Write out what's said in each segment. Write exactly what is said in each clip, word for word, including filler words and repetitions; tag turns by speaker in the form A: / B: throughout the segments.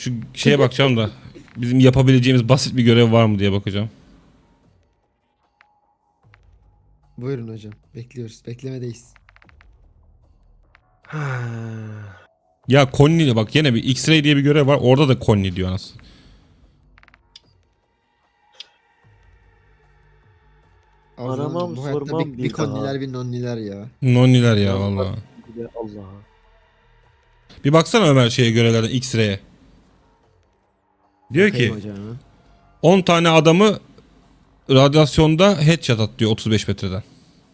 A: Şu şeye bakacağım da bizim yapabileceğimiz basit bir görev var mı diye bakacağım.
B: Buyurun hocam. Bekliyoruz. Beklemedeyiz.
A: Ya Connie bak yine bir X-ray diye bir görev var. Orada da Connie diyor anasını.
B: Arzum hocam,
C: Aramam
B: bu hayatta
C: sormam
B: bir,
C: bir
B: bir
C: daha.
B: konniler bir nonniler ya.
A: Nonniler ya
C: Allah.
A: vallahi.
C: Allah'a.
A: Bir baksana Ömer şeye görevlerden X-ray'e. Diyor
B: Bakayım
A: ki
B: hocam.
A: on tane adamı radyasyonda headshot at diyor otuz beş metreden.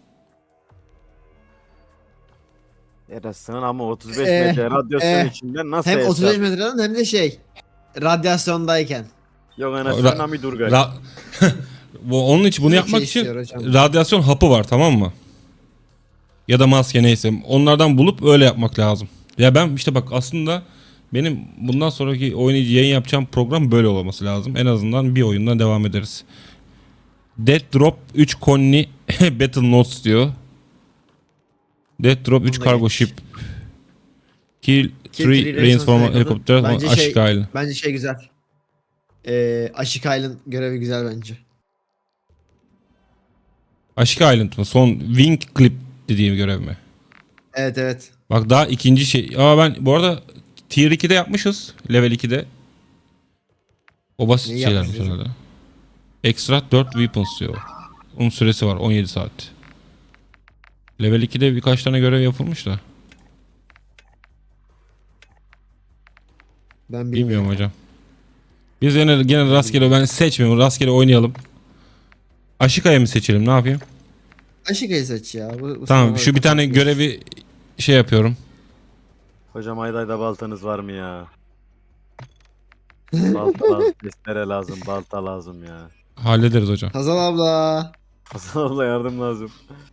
C: Yarasın ama otuz beş
B: Eh,
C: metre radyasyon
B: eh.
C: içinde nasıl
B: Hem
C: hesap?
B: otuz beş metreden hem de şey. Radyasyondayken.
C: Yok anasını
A: Ra-
C: Nami Durgay.
A: Ra- Bu onun için bunu
B: Çok
A: yapmak
B: şey
A: için
B: istiyor hocam.
A: radyasyon hapı var, tamam mı? Ya da maske neyse. Onlardan bulup öyle yapmak lazım. Ya ben işte bak aslında benim bundan sonraki oynayıcı yayın yapacağım program böyle olması lazım. En azından bir oyundan devam ederiz. Death Drop üç Connie Battle Notes diyor. Death Drop üç
B: Bunu da
A: Cargo
B: geç.
A: Ship. Kill
B: Kill
A: three
B: three
A: Rainsform
B: Rainsform
A: Helicopter.
B: Bence
A: Aşık
B: şey-
A: Island.
B: Bence şey güzel. Ee, Aşık Island görevi güzel bence.
A: Aşık Island mı? Son Wing Clip dediğim görev mi?
B: Evet evet.
A: Bak daha ikinci şey. Aa ben bu arada Tier ikide yapmışız. Level ikide. O basit
B: Neyi
A: şeylermiş
B: yapmışız
A: herhalde. Extra dört weapons diyor. Onun süresi var on yedi saat. Level ikide birkaç tane görev yapılmış da.
B: Ben bilmiyorum.
A: Bilmiyorum hocam. Biz yine gene rastgele ben seçmiyorum. Rastgele oynayalım. Aşika'ya mı seçelim? Ne yapayım?
B: Aşıkayı seç ya. Bu, bu
A: Tamam
B: sınava
A: şu bir tane
B: kapatmıyoruz.
A: görevi şey yapıyorum.
C: Hocam Ayday'da baltanız var mı ya? Balta lazım, testere lazım, balta lazım ya.
A: Hallederiz hocam.
B: Hazal abla.
C: Hasan abla yardım lazım.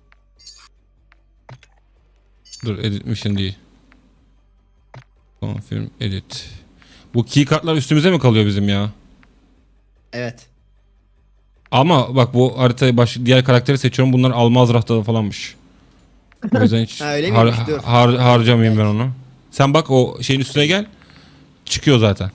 A: Dur edit mission değil. Confirm edit. Bu key kartlar üstümüze mi kalıyor bizim ya?
B: Evet.
A: Ama bak bu haritayı baş diğer karakteri seçiyorum. Bunlar Almazrah'ta falanmış. O yüzden hiç
B: Ha, öyle
A: har-
B: miymiş? Dur.
A: har- harcamayayım ben onu. Sen bak o şeyin üstüne gel. Çıkıyor zaten.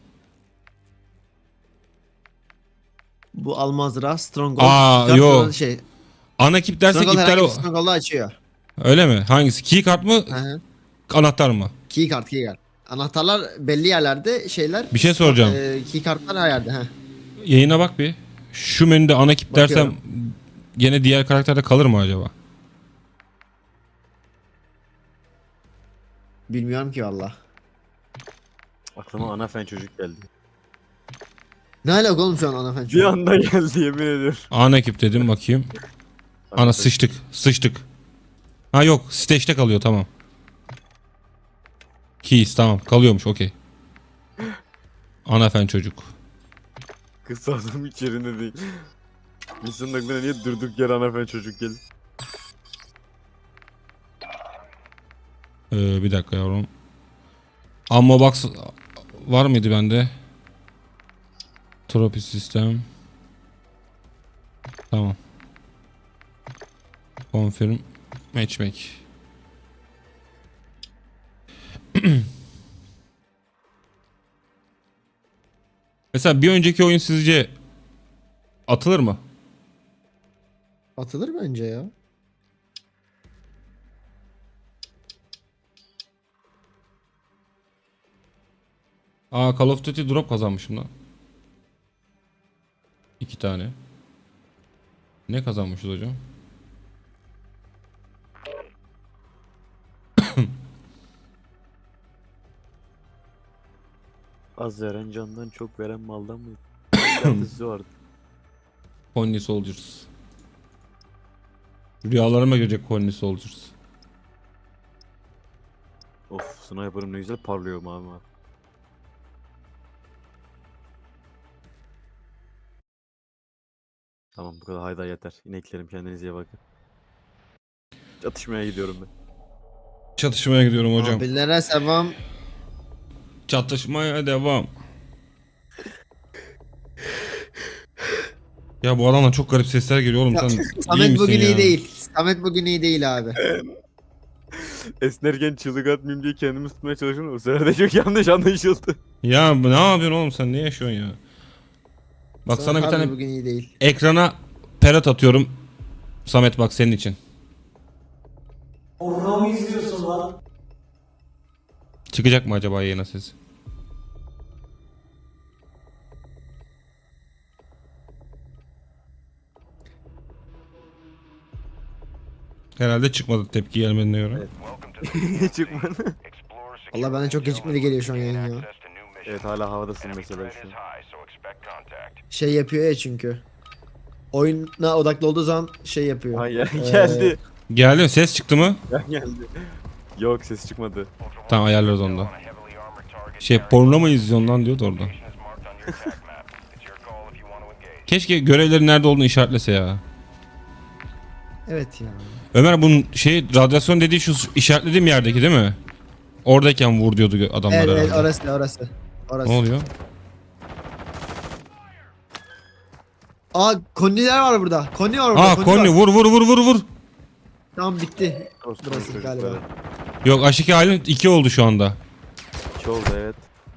B: Bu Almazra Stronghold.
A: Aa,
B: Kart
A: yo.
B: olan Şey,
A: Ana ekip dersek
B: Stronghold
A: iptal
B: herhangi
A: o.
B: bir Stronghold'u açıyor.
A: Öyle mi? Hangisi? Key kart mı?
B: Hı hı.
A: Anahtar mı?
B: Key kart, key kart. Anahtarlar belli yerlerde, şeyler.
A: Bir şey soracağım.
B: E, key kartlar her yerde. Heh.
A: Yayına bak bir. Şu menüde ana ekip dersem
B: Bakıyorum.
A: gene diğer karakterde kalır mı acaba?
B: Bilmiyorum ki valla.
C: Aklıma ana fen çocuk geldi.
B: Ne alaka oğlum şu an anafen
C: Bir
B: şu an?
C: anda geldi yemin ediyorum.
A: Ana ekip dedim bakayım. Ana sıçtık. Sıçtık. Ha yok. Stage'de kalıyor tamam. Keys tamam. Kalıyormuş okey. Ana fen çocuk.
C: Kız adam hiç yerinde değil. İnsanın aklına niye durduk yere ana fen çocuk geldi?
A: Ee, bir dakika yavrum. Ammo box var mıydı bende? Trophy sistem. Tamam. Confirm. Matchmake. Mesela bir önceki oyun sizce atılır mı?
B: Atılır bence ya.
A: Aa Call of Duty drop kazanmışım lan. İki tane. Ne kazanmışız hocam?
C: Az veren candan çok veren maldan mı? Yatısı vardı.
A: Connie Soldiers. Rüyalarıma girecek Connie Soldiers.
C: Of sniper'ım ne güzel parlıyor mavi mavi. Tamam bu kadar hayda yeter. İneklerim kendinize iyi bakın. Çatışmaya gidiyorum ben.
A: Çatışmaya gidiyorum hocam.
B: Abilere sevam.
A: Çatışmaya devam. Ya bu adamdan çok garip sesler geliyor oğlum sen iyi
B: Samet
A: misin
B: bugün
A: ya?
B: iyi değil. Samet bugün iyi değil abi.
C: Esnerken çığlık atmayayım diye kendimi tutmaya çalışıyorum. O sırada çok yanlış anlaşıldı.
A: Ya ne yapıyorsun oğlum sen, ne yaşıyorsun ya? Bak sana bir
B: harbi
A: tane
B: bugün iyi değil.
A: ekrana perat atıyorum. Samet bak senin için.
D: Porno mu izliyorsun lan?
A: Çıkacak mı acaba yayına sesi? Herhalde çıkmadı tepki gelmediğine göre.
C: Çıkmadı.
B: Allah bana çok gecikmeli geliyor şu an yayın ya.
C: Evet hala havadasın mesela şu an.
B: Şey yapıyor ya çünkü. Oyuna odaklı olduğu zaman şey yapıyor.
C: Ha ya,
B: Ee,
C: geldi.
A: Geldi mi? Ses çıktı mı?
C: Ya geldi. Yok ses çıkmadı.
A: Tamam ayarlarız onu da. Şey porno mu izliyorsun lan diyordu orada. Keşke görevlerin nerede olduğunu işaretlese ya.
B: Evet ya.
A: Ömer bunun şey radyasyon dediği şu işaretlediğim yerdeki değil mi? Oradayken vur diyordu gö- adamlar
B: Evet, evet
A: herhalde.
B: orası orası. Orası.
A: Ne oluyor?
B: Aa konniler var burada. Konni var burada.
A: Aa
B: konni
A: Konni
B: var.
A: vur vur vur vur vur.
B: Tamam bitti.
C: Orospu
B: Burası
C: çocukları.
B: galiba.
A: Yok aşike halin iki oldu şu anda.
C: İki oldu evet.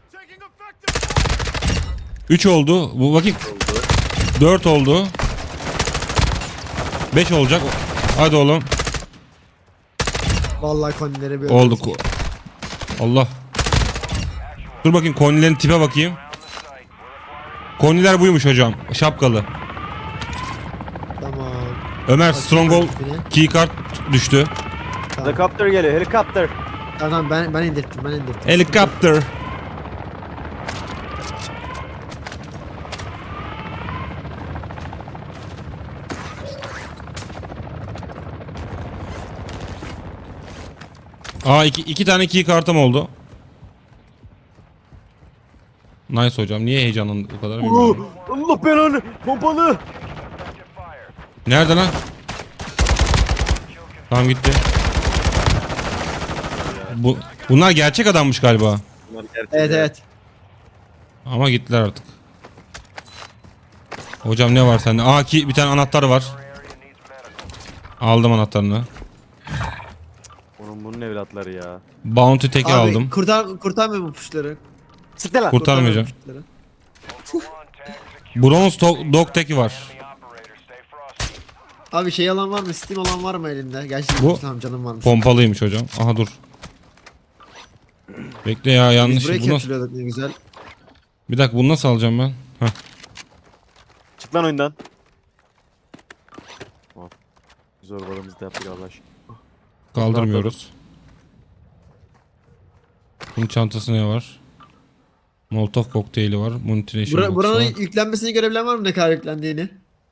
A: üç oldu. Bu bakayım.
C: Oldu.
A: dört oldu. beş olacak. Hadi oğlum.
B: Vallahi konnileri bir
A: Oldu. Ko- Allah. Dur bakayım Konnilerin tipe bakayım. Konniler buymuş hocam. Şapkalı.
B: Tamam.
A: Ömer
B: Bakayım
A: Stronghold
B: tipine.
A: keycard düştü.
B: Tamam.
C: Helikopter geliyor helikopter.
B: Tamam ben ben indirttim ben indirttim.
A: Helikopter. Aa iki, iki tane keycard'ım oldu. Nice hocam. Niye heyecanlandın bu kadar bilmiyorum.
C: Allah belanı pompalı.
A: Nerede lan? Tamam gitti. Bu bunlar gerçek adammış galiba.
C: Bunlar gerçek
B: Evet
C: ya.
B: evet.
A: Ama gittiler artık. Hocam ne var sende? Aa ki bir tane anahtar var. Aldım anahtarını.
C: Onun bunun evlatları ya.
A: Bounty teki
B: Abi
A: aldım.
B: kurtar kurtarmıyor bu puşları.
C: Siktir lan.
A: Kurtarmayacağım.
B: Puşları.
A: Bronze to- dog teki var.
B: Abi şey alan var mı? Steam alan var mı elinde? Gerçi
A: Bu-
B: tamam canım varmış.
A: Pompalıymış hocam. Aha dur. Bekle ya
B: Biz
A: yanlış.
B: buraya
A: Bunu,
B: capture'lıyorduk ne güzel.
A: bir dakika bunu nasıl alacağım ben? Heh.
C: Çık lan oyundan. Hop. Zorbalığımızı da yaptık Allah aşkına.
A: Kaldırmıyoruz. Bunun çantası ne var? Molotov kokteyli var. Munition
B: Bura,
A: box
B: buranın
A: var.
B: yüklenmesini görebilen var mı ne kadar yüklendiğini?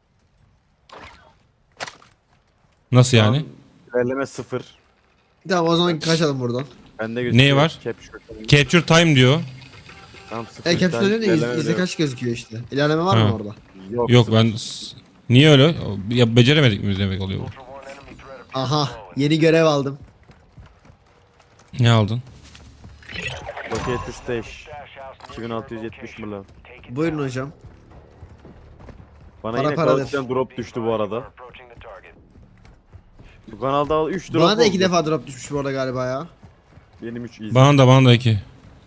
A: Nasıl yani?
C: İlerleme sıfır.
B: Tamam o zaman kaçalım buradan.
C: Bende gözüküyor.
A: Neyi var?
C: Capture.
A: Capture time diyor.
C: Tamam sıfır.
B: E capture
C: İlerleme
B: ne diyor?
C: diyor.
B: Yüzde kaç gözüküyor işte. İlerleme var
A: Ha.
B: mı orada?
C: Yok,
A: Yok
C: sıfır.
A: ben s- niye öyle? Ya beceremedik mi demek oluyor bu?
B: Aha yeni görev aldım.
A: Ne aldın?
C: Locate the stash. iki bin altı yüz yetmiş milyon.
B: Buyurun hocam.
C: Bana
B: Para
C: yine
B: paradır.
C: kalıptan drop düştü bu arada. Bu kanalda üç drop
B: Bana da iki
C: oldu.
B: defa drop düşmüş bu arada galiba ya.
C: Benim üç easy.
A: Bana da bana da iki.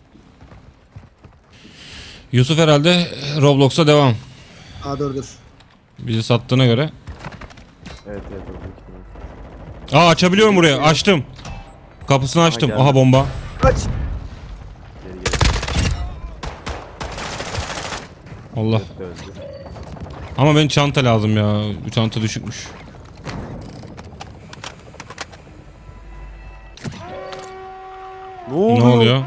A: Yusuf herhalde Roblox'a devam.
B: Aa dur dur.
A: Bizi sattığına göre.
C: Evet evet oldu.
A: Aa açabiliyorum buraya. Açtım. Kapısını açtım.
C: geldi.
A: Aha bomba.
C: Kaç. Geri geri.
A: Allah.
C: Evet, öldü.
A: Ama ben çanta lazım ya. Bu çanta düşükmüş.
C: Ne oluyor?
A: Ne oluyor?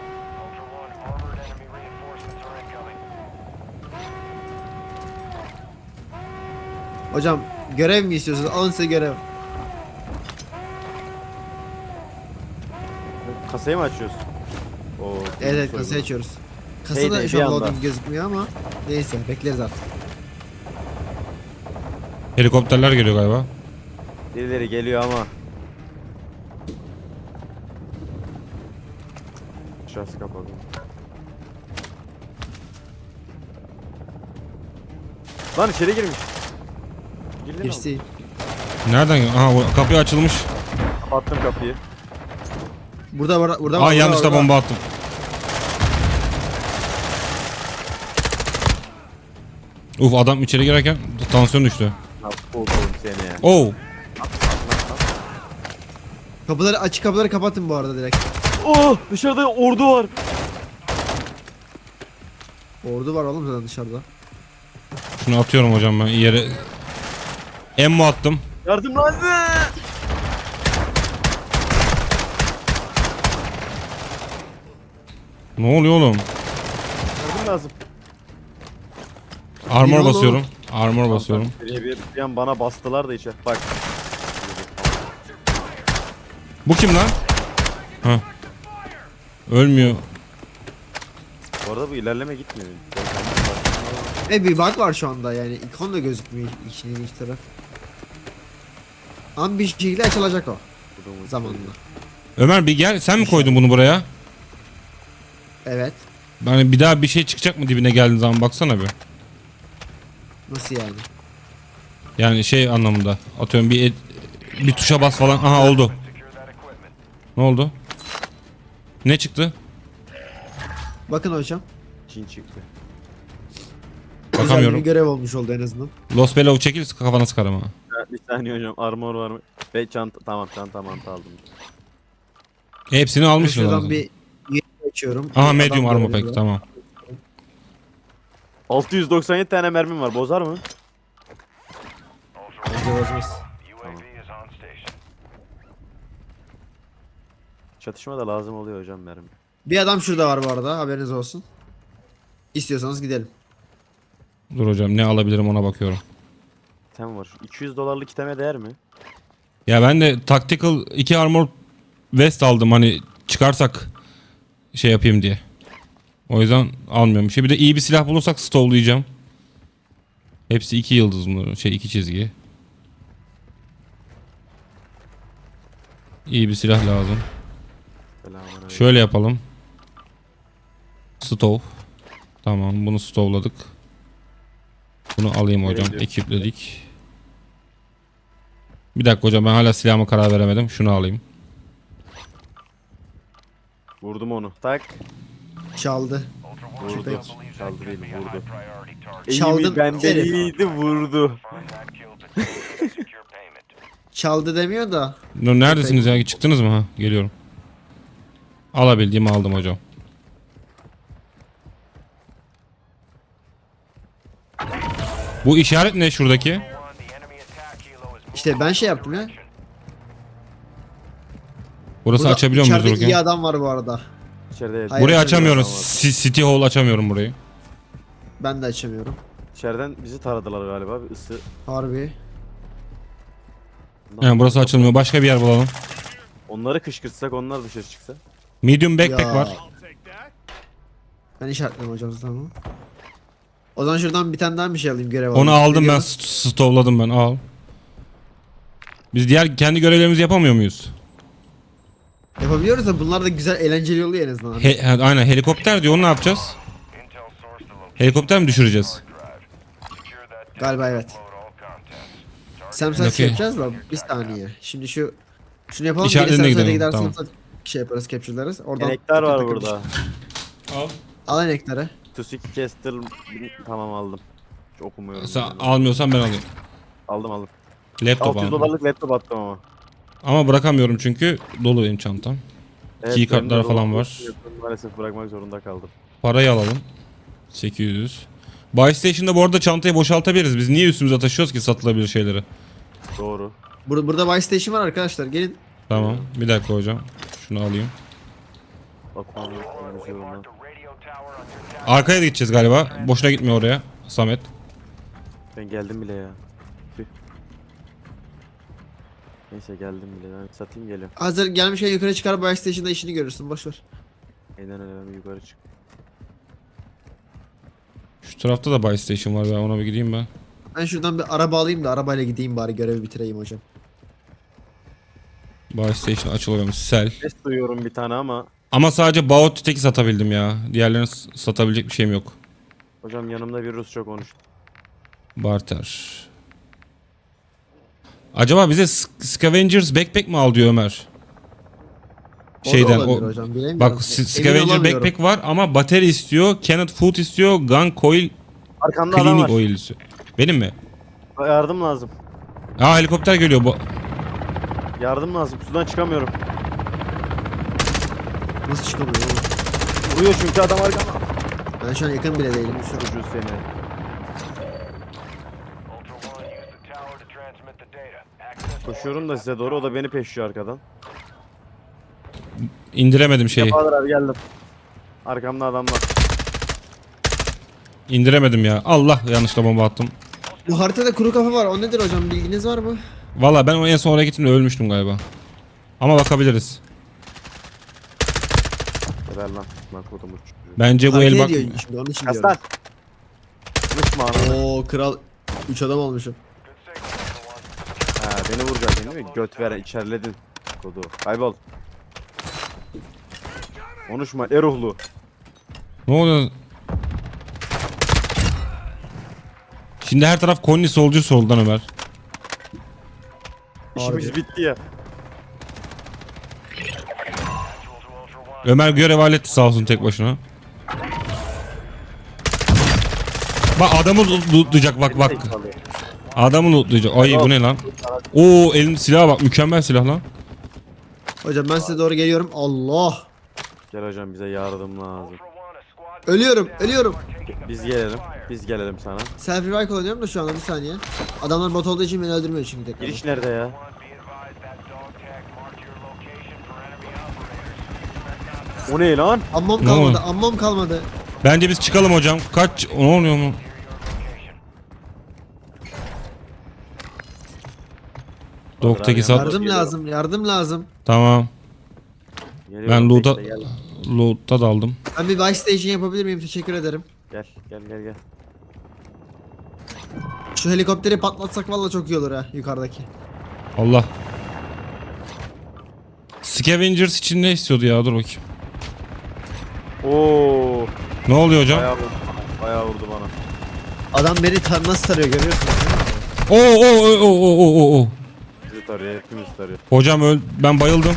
B: Hocam görev mi istiyorsunuz? Alın size görev.
C: Kasayı mı açıyoruz? Oo,
B: Evet evet
C: soygun.
B: kasayı açıyoruz.
C: Hey
B: Kasada
C: de,
B: şu
C: bir
B: an
C: anda.
B: loading gözükmüyor ama neyse bekleriz artık.
A: Helikopterler geliyor galiba.
C: Birileri geliyor ama. Aşağısı kapalı. Lan içeri girmiş. Girdin mi?
B: Geçti.
A: Nereden? Aha bu kapı açılmış.
C: Kapattım kapıyı.
B: Burada var, burada var.
A: Aa
B: burada
A: yanlışla
B: var, burada.
A: bomba attım. Uf adam içeri girerken tansiyon düştü.
C: Nasıl oldum seni ya.
A: Oo.
B: Kapıları açık kapıları kapatın bu arada direkt.
C: Oh dışarıda ordu var.
B: Ordu var oğlum zaten dışarıda.
A: Şunu atıyorum hocam ben yere. Emmo attım.
C: Yardım lazım.
A: Ne oluyor oğlum?
C: Yardım lazım.
A: Armor
B: oğlum.
A: basıyorum. Armor basıyorum.
C: Bir, bir, bir an bana bastılar da içe. Bak.
A: Bu kim lan? Ha. Ölmüyor.
C: Bu arada bu ilerleme gitmiyor.
B: E bir bug var şu anda yani ikon da gözükmüyor işin ilginç taraf. Ama bir şekilde açılacak o zamanla.
A: Ömer bir gel. Sen mi koydun bunu buraya?
B: Evet.
A: Yani bir daha bir şey çıkacak mı dibine geldiğin zaman baksana bir.
B: Nasıl yani?
A: Yani şey anlamında. Atıyorum bir et- bir tuşa bas falan. Aha oldu. Ne oldu? Ne çıktı?
B: Bakın hocam.
C: Çin çıktı.
B: Güzel
A: Bakamıyorum.
B: bir görev olmuş oldu en azından.
A: Los Belov çekil kafana sıkarım ha.
C: Bir saniye hocam armor var mı? Ve çanta tamam çanta mantı aldım.
A: Hepsini almışsın.
B: Şuradan
A: lazım.
B: bir yeri açıyorum.
A: Aha
B: Bir
A: medium
B: adam
A: armor
B: görüyorum.
A: pack tamam.
C: altı yüz doksan yedi tane mermim var. Bozar mı?
B: Bence bozmaz.
C: Çatışma da lazım oluyor hocam mermi.
B: Bir adam şurada var bu arada haberiniz olsun. İstiyorsanız gidelim.
A: Dur hocam ne alabilirim ona bakıyorum.
C: Tem var. iki yüz dolarlık iteme değer mi?
A: Ya ben de tactical iki armor vest aldım hani çıkarsak şey yapayım diye. O yüzden almıyorum bir şey. Bir de iyi bir silah bulursak stowlayacağım. Hepsi iki yıldız bunların. Şey iki çizgi. İyi bir silah lazım.
C: Selamünaleyküm.
A: Şöyle yapalım. Stow. Tamam bunu stowladık. Bunu alayım hocam.
C: Nereye
A: Ekipledik. Bir dakika hocam ben hala silahıma karar veremedim. Şunu alayım.
C: Vurdum onu. Tak.
B: Çaldı.
C: Vurdu.
B: Köpek.
C: Çaldı değil vurdu.
B: Çaldım,
C: Eğimi benden
B: herif.
C: iyiydi vurdu.
B: Çaldı demiyor da.
A: Dur, neredesiniz ya? Çıktınız mı? Ha, geliyorum. Alabildiğimi aldım hocam. Bu işaret ne şuradaki?
B: İşte ben şey yaptım ya.
A: Burası
B: Burada
A: açabiliyor muyuz
B: içeride iyi
A: dururken?
B: adam var bu arada.
C: İçeride
B: Hayır,
A: Burayı
B: açamıyorum
A: açamıyorum. Si- City Hall açamıyorum burayı.
B: Ben de açamıyorum.
C: İçeriden bizi taradılar galiba. Bir ısı.
B: Harbi.
A: Yani burası açılmıyor. Başka bir yer bulalım.
C: Onları kışkırtsak onlar dışarı çıksa.
A: Medium backpack
B: Ya.
A: var.
B: Ben işaretledim hocam zaten onu. O zaman şuradan bir tane daha bir şey alayım görev
A: Onu
B: alayım.
A: aldım ben.
B: Biliyoruz.
A: st- Stowladım ben. Al. Biz diğer kendi görevlerimizi yapamıyor muyuz?
B: Yapabiliyoruz da bunlar da güzel eğlenceli oluyor en azından.
A: He, he- aynen helikopter diyor. Onu ne yapacağız? Helikopter mi düşüreceğiz?
B: Galiba evet. Sam sen
A: Okey.
B: şey yapacağız da bir saniye. Şimdi şu şunu yapalım.
A: İşaretlerine
B: geri Samsa'ya
A: gidelim,
B: giderseniz
A: tamam.
B: şey yaparız, capture'larız. Oradan
C: Enektar
B: takır
C: var
B: takır
C: burada.
A: Al.
B: Al enekleri.
C: Tusik Castle tamam aldım. Hiç okumuyorum.
A: Sen
C: yani.
A: almıyorsan ben alayım.
C: Aldım aldım.
A: Laptop
C: altı yüz
A: aldım.
C: dolarlık laptop attım ama.
A: Ama bırakamıyorum çünkü dolu benim çantam.
C: Evet,
A: Key kartlar
C: benim de
A: falan
C: dolabım
A: var.
C: yok. Maalesef bırakmak zorunda kaldım.
A: Parayı alalım. sekiz yüz. Buy Station'da bu arada çantayı boşaltabiliriz. Biz niye üstümüze taşıyoruz ki satılabilir şeyleri?
C: Doğru.
B: Burada burada buy station var arkadaşlar. Gelin.
A: Tamam. Bir dakika hocam. Şunu alayım.
C: Bakmam yok. konuşuyorum ben.
A: Arkaya da gideceğiz galiba. Boşuna gitmiyor oraya. Samet.
C: Ben geldim bile ya. Tüh. Neyse geldim bile. Ben satayım geliyorum.
B: Hazır gelmişken yukarı çıkar buy station'da işini görürsün. Boş ver.
C: Aynen öyle ben bir yukarı çık.
A: Şu tarafta da Buy Station var. Ben ona bir gideyim ben.
B: Ben şuradan bir araba alayım da arabayla gideyim bari görevi bitireyim hocam.
A: Buy Station açılıyormuş. Sell.
C: Ses duyuyorum bir tane ama.
A: Ama sadece Baot teki satabildim ya. Diğerlerini s- satabilecek bir şeyim yok.
C: Hocam yanımda bir Rusça konuş.
A: Barter. Acaba bize Sc- Scavengers Backpack mi al diyor Ömer? Şeyden o,
B: olabilir hocam, bilemiyorum.
A: bak S-
B: Emin
A: Scavenger
B: olamıyorum.
A: backpack var ama bateri istiyor, Canned food istiyor, gun coil,
C: Arkamda adam
A: cleaning
C: var.
A: oil istiyor. Benim mi?
C: Yardım lazım.
A: Aa helikopter geliyor bu.
C: Yardım lazım. Sudan çıkamıyorum.
B: Nasıl çıkamıyor oğlum?
C: Vuruyor çünkü adam arkamda.
B: Ben şu an yakın bile değilim. Şu
C: Çocuğu seni. Koşuyorum da size doğru, o da beni peşliyor arkadan.
A: İndiremedim şeyi.
C: Bahadır abi geldim. Arkamda adam var.
A: İndiremedim ya. Allah, yanlışla bomba attım.
B: Bu haritada kuru kafa var. O nedir hocam? Bilginiz var mı?
A: Valla ben o en son oraya gittim de ölmüştüm galiba. Ama bakabiliriz.
C: Geber lan. Lan kodum uç.
A: Bence bu
B: Hareket
A: el bak.
B: ediyor şimdi, onun için
C: Kastan.
B: diyorum.
C: Konuşma ananı.
B: Oo kral. Üç adam olmuşum.
C: Ha beni vuracaksın değil mi? Göt veren içerledin. Kodu. Kaybol. Konuşma eruhlu.
A: Ne oluyor? Şimdi her taraf Konni solcu soldan Ömer.
C: İşimiz
B: Harbi.
C: bitti ya.
A: Ömer görev halletti sağ olsun tek başına. Bak adamı lootlayacak bak bak. Adamı lootlayacak. Ay bu ne lan? Oo elim silaha bak, mükemmel silah lan.
B: Hocam ben size doğru geliyorum. Allah.
C: Gel hocam, bize yardım lazım.
B: Ölüyorum. Ölüyorum.
C: Biz gelelim. Biz gelelim sana.
B: Self revive kullanıyorum da şu anda, bir saniye. Adamlar bot olduğu için beni öldürmüyor çünkü tekrar.
C: Giriş nerede ya? O ne lan?
B: Ammom
A: Ne
B: kalmadı.
A: oldu?
B: Ammom kalmadı.
A: Bence biz çıkalım hocam. Kaç? Ne oluyor mu? Doktaki sat.
B: Yardım lazım. Yardım lazım.
A: Tamam.
C: Geliyorum,
A: Ben loot'a
C: bekle, Gel
A: loot'a daldım.
B: Ben bir buy station yapabilir miyim? Teşekkür ederim.
C: gel gel gel. gel.
B: Şu helikopteri patlatsak valla çok iyi olur ha, yukarıdaki.
A: Allah. Scavengers için ne istiyordu ya? Dur bakayım.
C: Oo,
A: Ne oluyor hocam?
C: bayağı vurdu, bayağı vurdu bana.
B: Adam beni tar nasıl tarıyor, görüyorsunuz değil mi?
A: Oo oo oo oo oo oo oo.
C: Bizi tarıyor, hepimiz tarıyor.
A: Hocam öl, ben bayıldım.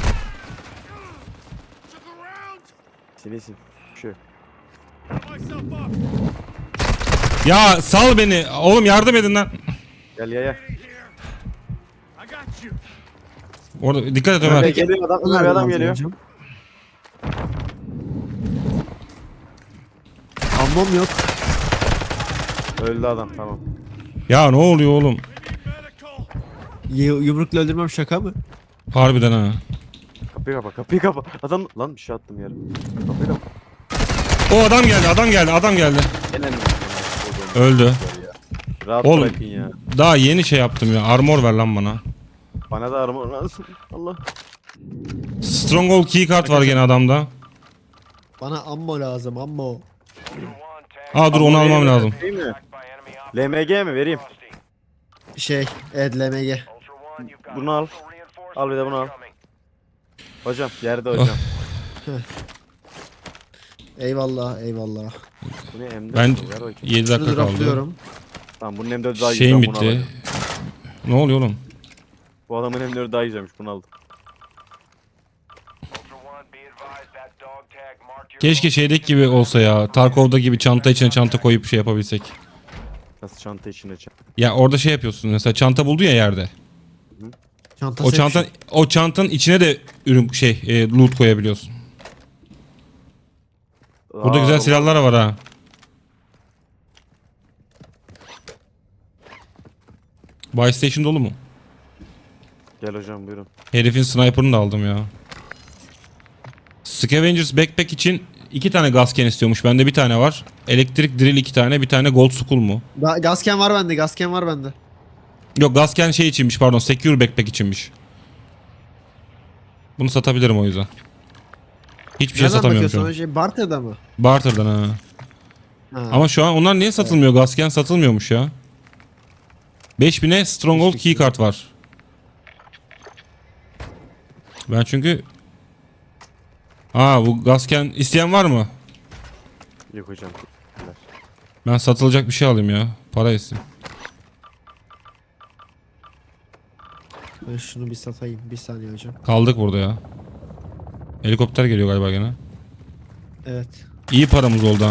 C: Sinisin. Şu.
A: Ya sal beni. Oğlum yardım edin lan.
C: Gel gel gel.
A: Orada dikkat et
C: Ömer
A: Ömer.
C: geliyor adam, Ömer adam geliyor.
B: Ammom yok.
C: Öldü adam, tamam.
A: Ya ne oluyor oğlum?
B: Y- yumrukla öldürmem şaka mı?
A: Harbiden ha.
C: Kapıyı kapa, kapıyı kapa. Adam lan bir şey attım yere. Kapıyı kapa.
A: O adam geldi, adam geldi, adam geldi.
C: Gelen mi?
A: Öldü.
C: Rahat
A: Oğlum.
C: bırakın ya.
A: Daha yeni şey yaptım ya. Armor ver lan bana.
C: Bana da armor lazım. Allah.
A: Stronghold keycard var gene adamda.
B: Bana ammo lazım, ammo.
A: Aa dur onu almam lazım.
C: Değil mi? L M G mi vereyim?
B: Şey, evet L M G.
C: Bunu al. Al bir de bunu al. Hocam yerde hocam.
B: Eyvallah, eyvallah.
C: Bu ne M dört?
A: Ben
C: Ver bakayım.
A: yedi
B: Şunu
A: dakika kaldı.
B: dropluyorum.
C: Tamam bunun M dördü daha iyi.
A: Şeyim
C: Ben bunu
A: bitti.
C: alacağım.
A: Ne oluyor oğlum?
C: Bu adamın M dördü daha güzelmiş, bunu aldım.
A: Keşke şeydeki gibi olsa ya. Tarkov'da gibi çanta içine çanta koyup şey yapabilsek.
C: Nasıl çanta içine çanta?
A: Ya orada şey yapıyorsun. Mesela çanta buldu ya yerde.
B: Çantası
A: O çanta o çantanın içine de ürün şey e, loot koyabiliyorsun. Burada güzel silahlar var ha. Buy station dolu mu?
C: Gel hocam buyurun.
A: Herifin sniper'ını da aldım ya. Scavengers backpack için iki tane gasken istiyormuş. Bende bir tane var. Elektrik drill iki tane. Bir tane gold skull mu?
B: Ga- Gasken var bende, gasken var bende.
A: Yok gasken şey içinmiş pardon. Secure backpack içinmiş. Bunu satabilirim o yüzden. Hiçbir şey
B: Nereden
A: satamıyorum
B: bakıyorsun
A: şu an.
B: o şey? Barter'da mı?
A: Barter'dan ha.
B: Ha.
A: Ama şu an onlar niye satılmıyor? Gasken satılmıyormuş ya. beş bine Stronghold keycard var. Ben çünkü... Aa bu gasken isteyen var mı?
C: Yok hocam.
A: Ben satılacak bir şey alayım ya. Para etsin.
B: Ben şunu bir satayım, bir saniye hocam.
A: Kaldık burada ya. Helikopter geliyor galiba gene.
B: Evet.
A: İyi paramız oldu ha.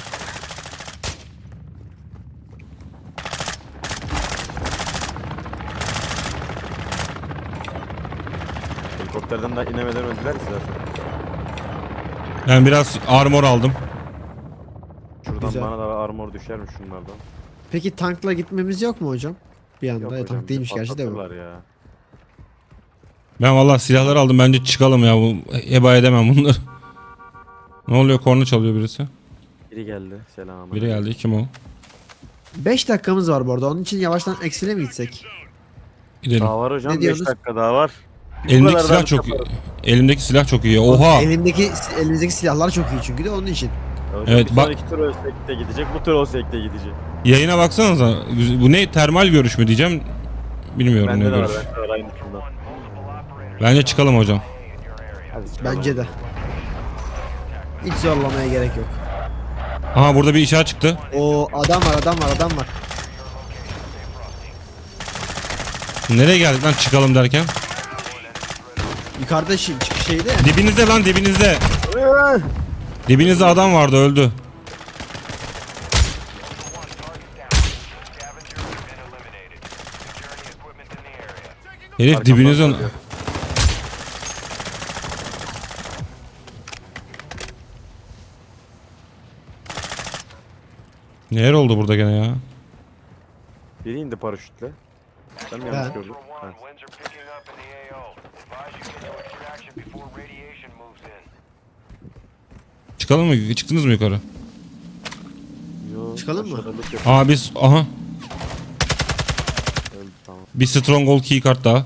C: Helikopterden daha inemeden öldüler ki zaten.
A: Ben biraz armor aldım.
C: Şuradan
B: Güzel.
C: bana da armor düşermiş şunlardan.
B: Peki tankla gitmemiz yok mu hocam? Bir anda.
C: Yok
B: E,
C: hocam,
B: tank
C: bizi
B: değilmiş gerçi de bu.
C: patlatırlar ya.
A: Ben vallahi silahları aldım. Bence çıkalım ya. Bu heba edemem bunları. Ne oluyor? Korna çalıyor birisi.
C: Biri geldi. Selam.
A: Biri geldi. Kim o?
B: beş dakikamız var bu arada. Onun için yavaştan eksile mi gitsek?
A: Gidelim.
C: Daha var hocam.
B: Ne
C: beş
B: diyorsunuz?
C: dakika daha var. Bu
A: Elimdeki
C: kadar
A: silah
C: daha
A: çok iyi.
C: yaparız.
A: Elimdeki silah çok iyi. Oha.
B: Elimdeki elimizdeki silahlar çok iyi çünkü de onun için.
C: Hocam
A: Evet,
C: bir
A: bak-
C: sonraki tur ölsek de gidecek. Bu tur ölsek de gidecek.
A: Yayına baksanıza. Bu ne? Termal görüş mü diyeceğim. Bilmiyorum
C: Bende
A: ne
C: de var.
A: görüş.
C: Bende de var aynı şundan.
A: Bence çıkalım hocam.
C: Hadi çıkalım.
B: Bence de. Hiç zorlamaya gerek yok.
A: Aha burada bir işaret çıktı.
B: O adam var adam var adam var.
A: Nereye geldik lan çıkalım derken?
B: Yukarıda şi- çıkış şeyde ya.
A: Dibinizde lan dibinizde. Dibinizde adam vardı öldü. Herif
C: Arkamdan
A: dibinizden...
C: geliyor.
A: Neler oldu burada gene ya?
C: Biri indi paraşütle. Ben mi yanlış
B: Ben.
C: gördüm? Ha.
A: Çıkalım mı? Çıktınız mı yukarı?
C: Yo,
B: Çıkalım mı?
C: aşağıda loot yapıyor.
A: Aa biz... Aha.
C: Öldü, tamam.
A: Bir stronghold keycard daha.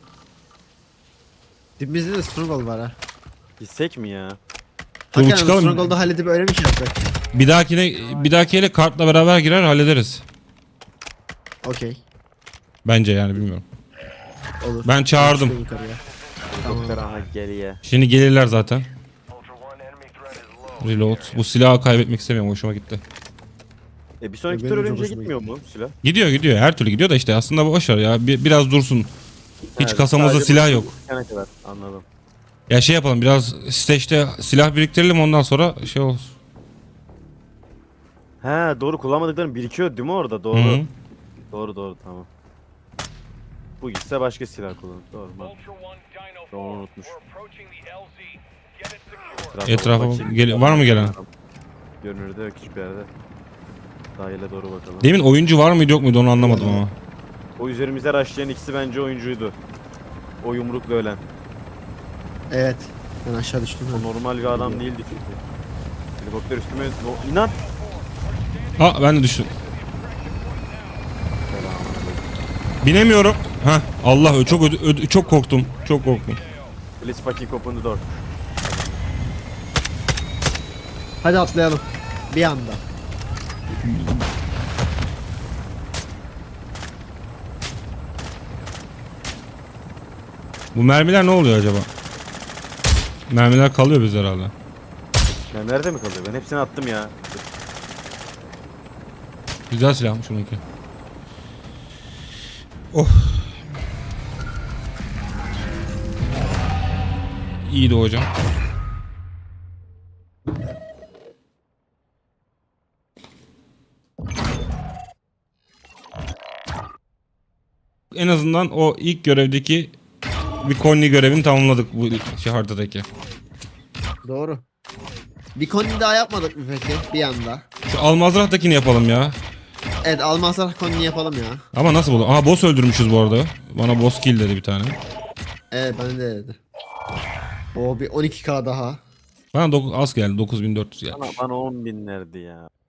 B: Dibimizde de Stronghold var ha.
C: Gitsek mi ya?
A: Dur
B: Hakikaten
A: çıkalım.
B: Stronghold'u halledip öyle mi şey yapsak?
A: Bir dahakine bir dahakiyle kartla beraber girer hallederiz.
B: Okey.
A: Bence yani bilmiyorum.
B: Olur.
A: Ben çağırdım.
B: Çıkın yukarıya.
C: Helikopter aha geriye.
A: Şimdi gelirler zaten. Reload. Bu silahı kaybetmek istemiyorum. Hoşuma gitti.
C: E bir sonraki
B: Benim
C: tur
B: de çok
C: ölünce
B: hoşuma
C: gitmiyor mu silah?
A: Gidiyor gidiyor. Her türlü gidiyor da işte aslında boş ver ya. Bir, biraz dursun. Hiç
C: Evet,
A: kasamızda
C: sadece
A: silah
C: bu-
A: yok.
C: Ne kadar anladım.
A: Ya şey yapalım biraz stage'de silah biriktirelim ondan sonra şey olsun.
C: He doğru, kullanmadıklarım birikiyor değil mi orada? Doğru.
A: Hı.
C: Doğru doğru tamam. Bu gitse başka silah kullanır. Doğru mu? Doğru unutmuş.
A: Etrafa
C: bakayım.
A: gel- var mı gelen?
C: Görünürde yok hiçbir yerde. Sahile doğru bakalım.
A: Demin oyuncu var mıydı yok muydu onu anlamadım ama.
C: O üzerimize rushlayan ikisi bence oyuncuydu. O yumrukla ölen.
B: Evet. Ben aşağı düştüm.
C: O normal bir adam değildi çünkü. Helikopter üstüme... O, inan!
A: Ha ben de düştüm. Binemiyorum. Ha Allah ö- çok ödü- ödü- çok korktum. Çok korktum.
C: Please fucking open the door.
B: Hadi atlayalım. Bir anda.
A: Bu mermiler ne oluyor acaba? Mermiler kalıyor bizde herhalde.
C: Ya nerede mi kalıyor? Ben hepsini attım ya.
A: Güzel silahmış onunki. Oh. İyiydi hocam. En azından o ilk görevdeki bir Conley görevini tamamladık bu şey haritadaki.
B: Doğru. Bir koni daha yapmadık mı peki? Bir anda.
A: Şu Almazrah'takini yapalım ya.
B: Evet Almasar koni yapalım ya.
A: Ama nasıl buldun? Aha boss öldürmüşüz bu arada. Bana boss kill dedi bir tane.
B: Evet bana de dedi. O bir on iki K daha.
A: Bana dok- az geldi. dokuz bin dört yüz geldi.
C: Bana, bana on binlerdi ya.